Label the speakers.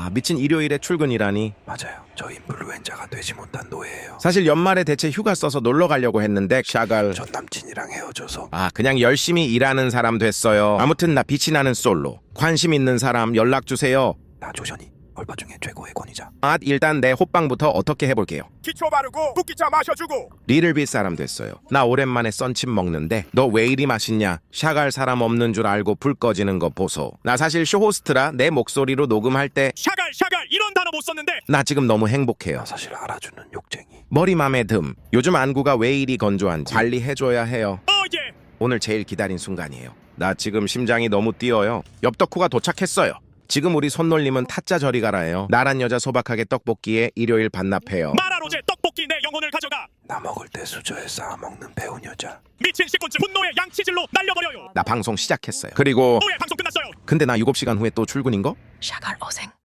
Speaker 1: 와, 미친 일요일에 출근이라니.
Speaker 2: 맞아요. 저 인플루엔자가 되지 못한 노예예요.
Speaker 1: 사실 연말에 대체 휴가 써서 놀러 가려고 했는데 샤갈.
Speaker 2: 전 남친이랑 헤어져서.
Speaker 1: 그냥 열심히 일하는 사람 됐어요. 아무튼 나 빛이 나는 솔로. 관심 있는 사람 연락 주세요.
Speaker 2: 나 조션이 얼마 중에 최고의 권위자.
Speaker 1: 일단 내 호빵부터 어떻게 해볼게요.
Speaker 3: 기초 바르고 붓기차 마셔주고.
Speaker 1: 리틀빛 사람 됐어요. 나 오랜만에 썬칩 먹는데 너 왜 이리 맛있냐? 샤갈 사람 없는 줄 알고 불 꺼지는 거 보소. 나 사실 쇼호스트라 내 목소리로 녹음할 때
Speaker 3: 샤갈 이런 단어 못 썼는데.
Speaker 1: 나 지금 너무 행복해요.
Speaker 2: 나 사실 알아주는 욕쟁이.
Speaker 1: 머리 맘에 듬. 요즘 안구가 왜 이리 건조한지 관리해줘야 해요.
Speaker 3: 예.
Speaker 1: 오늘 제일 기다린 순간이에요. 나 지금 심장이 너무 뛰어요. 엽떡후가 도착했어요. 지금 우리 손놀림은 타짜 저리 가라예요. 나란 여자 소박하게 떡볶이에 일요일 반납해요.
Speaker 3: 마라로제 떡볶이 내 영혼을 가져가.
Speaker 2: 나 먹을 때 수저에 쌓아 먹는 배운 여자.
Speaker 3: 미친 식군주 분노의 양치질로 날려버려요.
Speaker 1: 나 방송 시작했어요. 그리고
Speaker 3: 오예 방송 끝났어요.
Speaker 1: 근데 나 7시간 후에 또 출근인 거?
Speaker 4: 샤갈 어생.